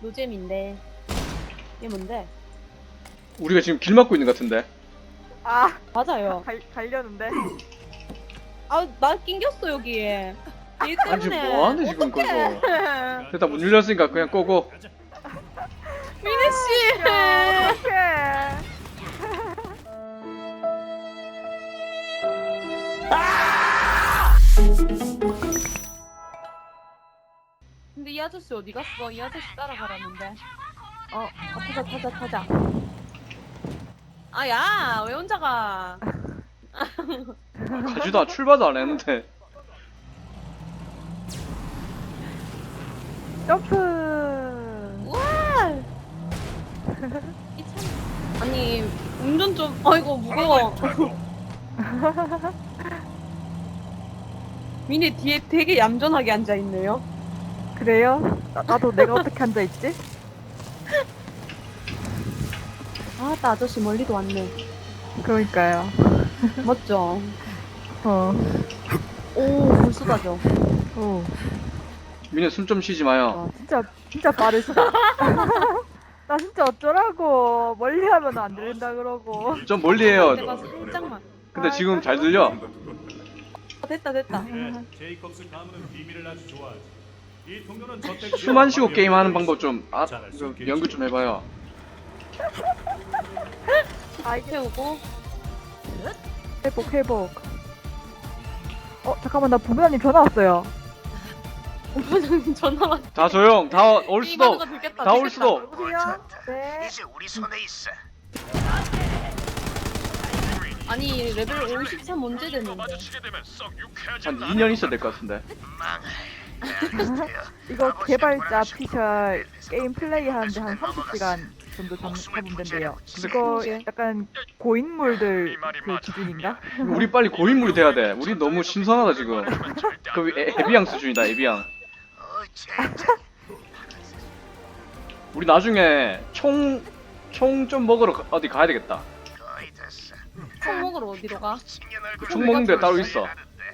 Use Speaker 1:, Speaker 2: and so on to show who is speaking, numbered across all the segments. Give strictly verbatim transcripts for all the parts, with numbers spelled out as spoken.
Speaker 1: 노잼인데. 이게 뭔데?
Speaker 2: 우리가 지금 길 막고 있는 것 같은데.
Speaker 3: 아,
Speaker 1: 맞아요.
Speaker 3: 갈, 가려는데.
Speaker 1: 아, 나 낑겼어, 여기에. 얘
Speaker 2: 아니 지금
Speaker 1: 때문에.
Speaker 2: 뭐하는 지금
Speaker 1: 어떡해.
Speaker 2: 거기서. 일단 문 열렸으니까 그냥 꺼고.
Speaker 1: 미네씨!
Speaker 3: 어떡해.
Speaker 1: 근데 이 아저씨 어디 갔어? 이 아저씨 따라가라는데. 어, 어 타자, 타자, 타자. 아, 야! 왜 혼자 가?
Speaker 2: 가지도 않- 출발도 안 했는데.
Speaker 3: 점프.
Speaker 1: 우와! 이 참. 아니, 운전 좀, 어이구, 무거워. 미네 뒤에 되게 얌전하게 앉아있네요.
Speaker 3: 그래요? 나, 나도 내가 어떻게 앉아있지?
Speaker 1: 아, 나 아저씨 멀리도 왔네.
Speaker 3: 그러니까요.
Speaker 1: 멋져.
Speaker 3: 어.
Speaker 1: 오, 물 쏟아져.
Speaker 3: 오.
Speaker 2: 미네 숨 좀 쉬지 마요.
Speaker 3: 와, 진짜, 진짜 빠르시다. 나 진짜 어쩌라고. 멀리 하면 안 들린다 그러고.
Speaker 2: 좀 멀리 해요.
Speaker 1: 내가 살짝만.
Speaker 2: 근데 지금 잘 들려.
Speaker 1: 어, 됐다, 됐다.
Speaker 4: 네, 제이콥스 가문은 비밀을 아주 좋아하지. 이 동료는 저택
Speaker 2: 숨 안 쉬고 게임하는 방법 좀 아, 좀 연구 좀 해봐요.
Speaker 3: 아, 이게
Speaker 1: 태우고.
Speaker 3: 회복, 회복. 어, 잠깐만, 나 부모님 전화 왔어요.
Speaker 1: 부장님 전화 왔.
Speaker 2: 다 조용. 다 올 수도.
Speaker 1: 게임하는 거 들켰다,
Speaker 2: 다 올
Speaker 1: 들켰다.
Speaker 2: 수도.
Speaker 3: 여보세요? 네.
Speaker 5: 이제 우리 손에 있어.
Speaker 1: 아니, 레벨 오십삼 언제 됐는데?
Speaker 2: 한 이 년 있어야 될 것 같은데.
Speaker 3: 이거 개발자 피셜 게임 플레이 하는데 한 삼십 시간 정도 잡, 잡으면 된대요. 이거 약간 고인물들 그 기준인가?
Speaker 2: 우리 빨리 고인물이 돼야 돼. 우리 너무 신선하다 지금. 그 에- 에비앙 수준이다 에비앙.
Speaker 5: 어, 젠장.
Speaker 2: 우리 나중에 총 총 좀 먹으러 가- 어디 가야 되겠다.
Speaker 5: 거의 됐어.
Speaker 1: 총 먹으러 어디로 가?
Speaker 5: 青年얼굴
Speaker 2: 총 먹는 데 따로 있어.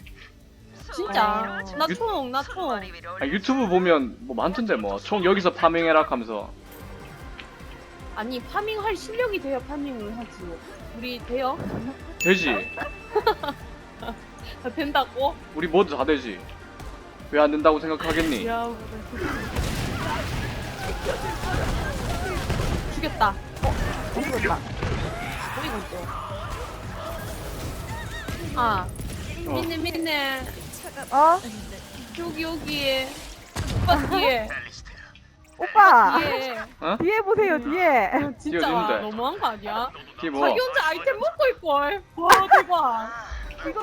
Speaker 1: 진짜?
Speaker 3: 어.
Speaker 1: 나 총, 나 총.
Speaker 2: 아, 유튜브 보면 뭐 많던데 뭐 총 여기서 파밍해라 하면서.
Speaker 1: 아니, 파밍할 실력이 돼야 파밍을 하지. 우리 돼요?
Speaker 2: 되지.
Speaker 1: 아, 된다고?
Speaker 2: 우리 모두 다 되지. 왜 안 된다고 생각하겠니?
Speaker 1: 야, 죽였다. 어, 죽였다. 어이구, 또. 아,
Speaker 2: 어.
Speaker 1: 민네, 민네.
Speaker 3: 어?
Speaker 1: 여기, 여기. 오빠 뒤에.
Speaker 5: 앨리스테어.
Speaker 3: 오빠!
Speaker 1: 뒤에.
Speaker 2: 어?
Speaker 3: 뒤에 보세요, 뒤에!
Speaker 1: 아, 진짜
Speaker 2: 어딨는데?
Speaker 1: 너무한 거 아니야?
Speaker 2: 이게 뭐?
Speaker 1: 자기 혼자 아이템 먹고 있걸. 와, 대박.
Speaker 3: 이거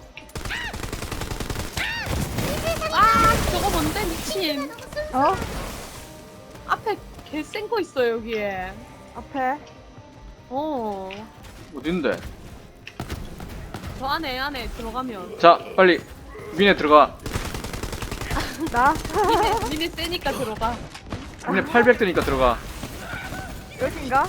Speaker 1: 아, 저거 뭔데, 미친.
Speaker 3: 어?
Speaker 1: 앞에 개 센 거 있어, 여기에.
Speaker 3: 앞에
Speaker 1: 어.
Speaker 2: 어딘데?
Speaker 1: 저 안에, 안에 들어가면.
Speaker 2: 자 빨리 미네 들어가.
Speaker 3: 나?
Speaker 1: 니네, 니네 세니까 들어가.
Speaker 2: 미네 팔백 되니까 들어가.
Speaker 3: 여긴가?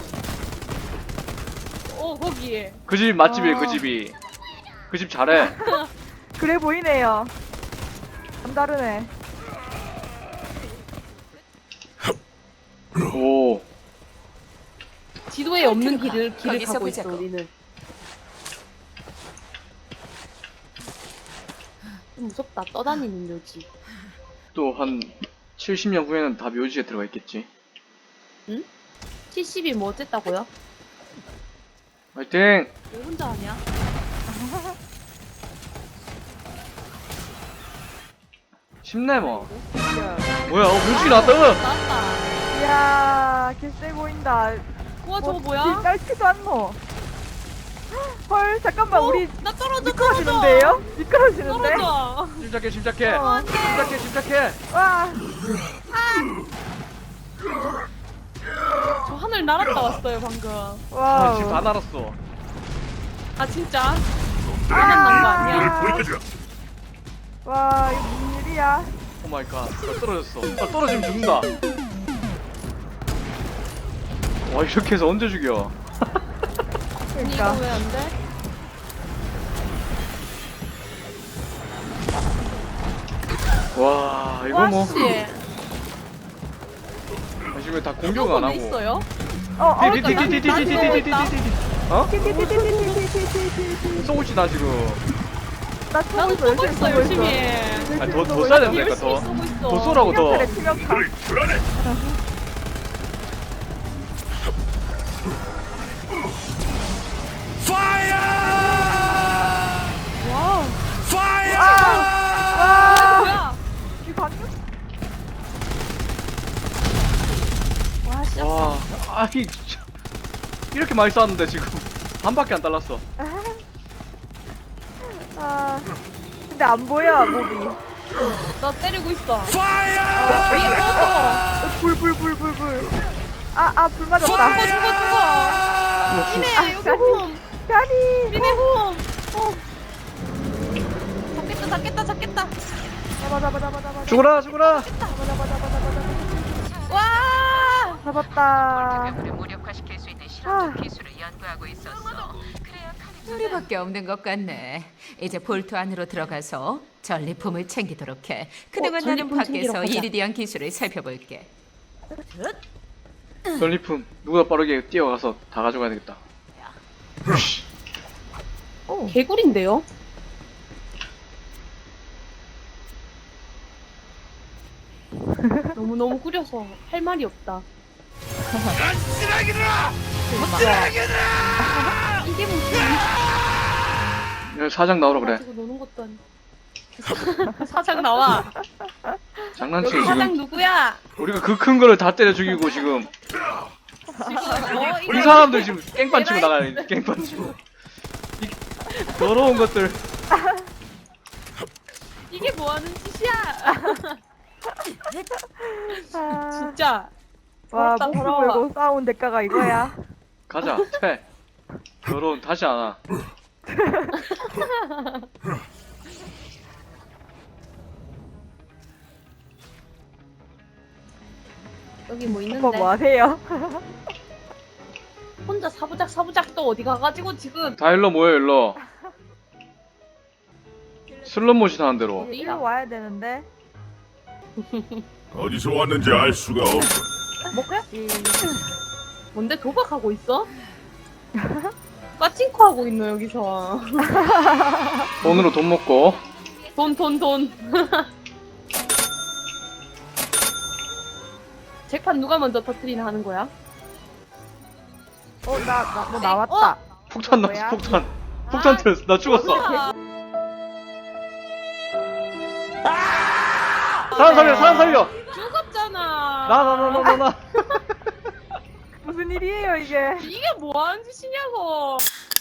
Speaker 1: 어, 거기에.
Speaker 2: 그 집 맛집이에요
Speaker 3: 어.
Speaker 2: 그 집이. 그 집 잘해.
Speaker 3: 그래 보이네요. 남다르네.
Speaker 2: 오.
Speaker 1: 지도에 없는 길을, 길을
Speaker 6: 거기서
Speaker 1: 가고 있어,
Speaker 6: 보자고.
Speaker 1: 우리는. 좀 무섭다, 떠다니는 묘지.
Speaker 2: 또 한 칠십 년 후에는 다 묘지에 들어가 있겠지.
Speaker 1: 칠십이 뭐 어쨌다고요?
Speaker 2: 화이팅!
Speaker 1: 왜 혼자 하냐?
Speaker 2: 쉽네 뭐.
Speaker 3: 이야,
Speaker 2: 뭐야? 어 묘지 나왔다.
Speaker 1: 나왔다.
Speaker 3: 이야 개쎄 보인다.
Speaker 1: 우와, 저거
Speaker 3: 뭐,
Speaker 1: 뭐야?
Speaker 3: 짧지도 않노. 헐, 잠깐만,
Speaker 1: 어,
Speaker 3: 우리
Speaker 1: 나 떨어져, 떨어져.
Speaker 3: 미끄러지는데요? 미끄러지는데?
Speaker 1: 떨어져.
Speaker 2: 침착해 침착해.
Speaker 3: 어,
Speaker 2: 침착해 침착해.
Speaker 3: 와,
Speaker 1: 저 하늘 날았다 왔어요, 방금.
Speaker 2: 아, 지금 다
Speaker 3: 와우.
Speaker 2: 날았어.
Speaker 1: 아, 진짜? 화면 난거 아니야?
Speaker 3: 와, 이거 무슨 일이야?
Speaker 2: 오 마이 갓. 나 떨어졌어. 아, 떨어지면 죽는다. 와 이렇게 해서 언제 죽여?
Speaker 1: 아니, 이거
Speaker 3: 그러니까.
Speaker 1: 왜 안 돼?
Speaker 2: 와 이거
Speaker 1: 와,
Speaker 2: 뭐
Speaker 1: 씨.
Speaker 2: 지금 다 공격 안
Speaker 1: 왜
Speaker 2: 하고.
Speaker 1: 있어요?
Speaker 3: 어, 어,
Speaker 2: 디디디디디디디디디디디. 어?
Speaker 3: 띠띠띠띠띠띠띠띠띠띠띠.
Speaker 2: 쏘고 있지 나 지금.
Speaker 3: 나 쏘고
Speaker 1: 나도
Speaker 3: 있어,
Speaker 1: 쏘고 있어 열심히.
Speaker 2: 아니 더 더 쏴야 된다니까
Speaker 1: 열심히
Speaker 2: 더.
Speaker 1: 쏘고 있어.
Speaker 2: 더 쏘라고 더.
Speaker 3: 치명타래, 치명타.
Speaker 1: 와.
Speaker 3: 와,
Speaker 1: 뭐야?
Speaker 3: 이 방금?
Speaker 1: 와 씨.
Speaker 2: 와, 아이 진짜 이렇게 많이 쐈는데 지금 반밖에 안 달랐어.
Speaker 3: 아, 근데 안 보여, 몸이.
Speaker 1: 나 때리고 있어.
Speaker 3: 아,
Speaker 1: 위에 꺼져.
Speaker 3: 불, 불, 불, 불, 불. 아, 아, 불
Speaker 1: 죽어 죽어
Speaker 3: 맞았다.
Speaker 1: 죽어 죽어. 미네 여기 홈.
Speaker 3: 가리.
Speaker 1: 미네 홈. 홈. 잡겠다 잡겠다 잡겠다.
Speaker 3: 잡아, 잡아, 잡아, 잡아.
Speaker 2: 죽어라 죽어라.
Speaker 3: 잡아, 잡아, 잡아, 잡아, 잡아.
Speaker 1: 와.
Speaker 3: 잡았다.
Speaker 6: 를 무력화시킬 수 있는
Speaker 3: 아.
Speaker 6: 실험적 기술을 연구하고 있었어. 그래야 칼이
Speaker 7: 우리밖에 없는 것 같네. 이제 볼트 안으로 들어가서 전리품을 챙기도록 해. 그동안
Speaker 1: 어,
Speaker 7: 나는
Speaker 1: 전리품 챙기러
Speaker 7: 밖에서
Speaker 1: 가자.
Speaker 7: 이리디안 기술을 살펴볼게.
Speaker 2: 전리품 누구보다 빠르게 뛰어가서 다 가져가야 되겠다.
Speaker 3: 오.
Speaker 1: 개구리인데요? 너무 너무 구려서 할 말이 없다. 이게 무슨
Speaker 2: 여기 사장 나오라 그래.
Speaker 1: 가지고 노는 것도 아니고. 사장 나와.
Speaker 2: 장난치고
Speaker 1: 여기
Speaker 2: 지금
Speaker 1: 사장 누구야?
Speaker 2: 우리가 그 큰 거를 다 때려 죽이고 지금
Speaker 1: 지금 어,
Speaker 2: 이
Speaker 1: 이거
Speaker 2: 사람들 지금 깽판 치고 나가네. 깽판 치고. 이 더러운 것들.
Speaker 1: 이게 뭐 하는 짓이야?
Speaker 3: 아,
Speaker 1: 진짜.
Speaker 3: 와,
Speaker 1: 더럽다,
Speaker 3: 목숨
Speaker 1: 더러워.
Speaker 3: 걸고 싸운 대가가 이거야.
Speaker 2: 가자. 퇴. 더러운 다시 안 와.
Speaker 1: 여기 뭐
Speaker 3: 오빠
Speaker 1: 있는데?
Speaker 3: 뭐 하세요?
Speaker 1: 혼자 사부작 사부작 또 어디 가가지고 지금
Speaker 2: 다 일로 모여 일로. 슬롯모시 하는 대로.
Speaker 1: 어디야?
Speaker 3: 일로 와야 되는데.
Speaker 8: 어디서 왔는지 알 수가 없어.
Speaker 3: 뭐지?
Speaker 1: 뭔데 도박하고 있어? 빠칭코 하고 있노 여기서.
Speaker 2: 돈으로 돈 먹고.
Speaker 1: 돈 돈 돈. 잭판 누가 먼저 터트리나 하는 거야?
Speaker 3: 어, 나, 나, 뭐 나왔다.
Speaker 2: 폭탄
Speaker 3: 뭐야?
Speaker 2: 났어 폭탄. 폭탄 터졌어. 나 죽었어.
Speaker 1: 뭐야?
Speaker 2: 사람 살려 사람 살려.
Speaker 1: 죽었잖아.
Speaker 2: 나 나 나 나 나 나.
Speaker 3: 무슨 일이에요, 이게?
Speaker 1: 이게 뭐 하는 짓이냐고.